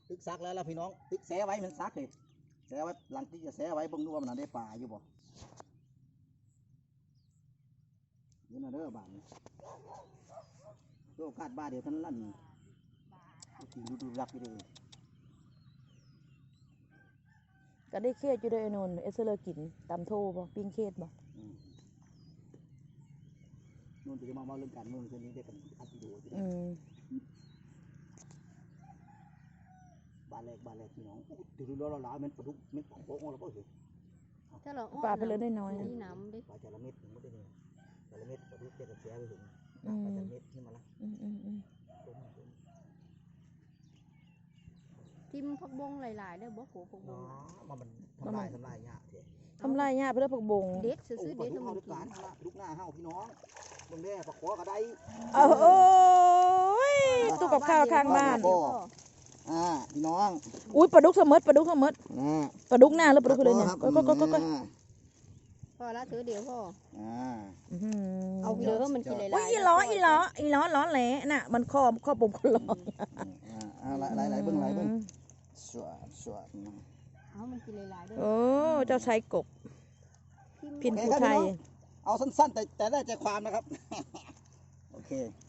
ตึกซักแล้วล่ะพี่น้องตึกแสไว้มันซักเลยแสไว้หลังที่จะแสไว้เบิ่งดูว่ามันได้ปลาอยู่บ่เดี๋ยวนะเด้อบ้านนี้โอกาสบ้าเดี๋ยวท่านลั่นกินดูรักอยู่เลยก็ได้เครียดอยู่ด้วยไอ้นนท์เอสเลอร์กินตำโทบ่ปิ้งเครียดบ่นู่นจะมาเรื่องการเมืองเช่นนี้ได้กันอัดวิดีโอบ้านแรกพี่น้องดูเราล้ามันปลาดุกเม็ดของโป๊ะเราก็เห็นปลาไปเลยได้น้อยนะนี่น้ำดิปลาจระเม็ดไม่ได้เนี่ยจระเม็ดปลาดุกเด็กกับแฉไปถึงปลาจระเม็ดนี่มาละทิมผักบงหลายๆได้บ่โหผักบงมันทำลายหญ้าเถอะทำลายหญ้าเพื่อผักบงเด็ดซื้อเด็ดมันกินลูกหน้าเฮาพี่น้องตรงนี้ปลาขอกระไดโอ้ยตู้กับข้าวข้างบ้านพี่น้องอุ้ยปลาดุกเสมอปลาดุกหน้าหรือปลาดุกเลยเนี่ยก็พอละถือเดี๋ยวพ่อเอาเดี๋ยวมันกินหลายๆอีล้อล้อแหละน่ะมันข้อปุ่มคนล้อหลายเบิ้งสวดเอามันกินหลายๆด้วยโอ้เจ้าชายกบพินผู้ไทยเอาสั้นๆแต่ได้ใจความนะครับโอเค